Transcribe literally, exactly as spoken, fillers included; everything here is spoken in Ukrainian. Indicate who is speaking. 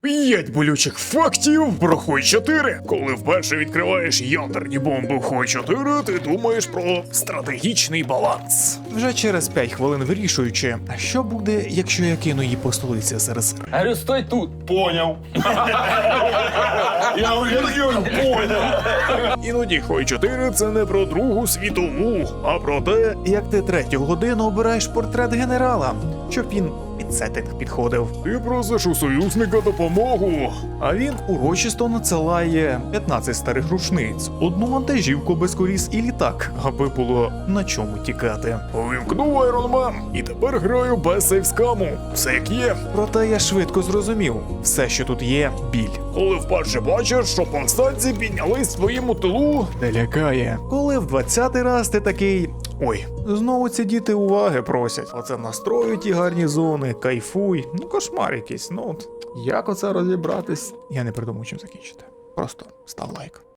Speaker 1: П'ять болючих фактів про Хой чотири. Коли вперше відкриваєш ядерні бомби в Хой чотири, ти думаєш про стратегічний баланс. Вже через п'ять хвилин вирішуючи, а що буде, якщо я кину її по столиці СРСР?
Speaker 2: Говорю, стой тут.
Speaker 3: Понял. Я уже понял.
Speaker 1: Іноді Хой чотири це не про Другу світову, а про те, як ти третю годину обираєш портрет генерала, щоб він під сеттинг підходив. Ти просиш у союзника допомогу, а він урочисто надсилає п'ятнадцять старих рушниць, одну вантажівку без коліс і літак, аби було на чому тікати. Увімкнув Iron Man, і тепер граю без сейвскаму. Все як є. Проте я швидко зрозумів, все, що тут є, біль. Коли вперше бачиш, що повстанці піднялись в своєму тилу, не лякає. Коли в двадцятий раз ти такий: ой, знову ці діти уваги просять. Оце настрою ті гарні зони, кайфуй. Ну, кошмар якийсь. Ну от як оце розібратись? Я не придумав, чим закінчити. Просто став лайк.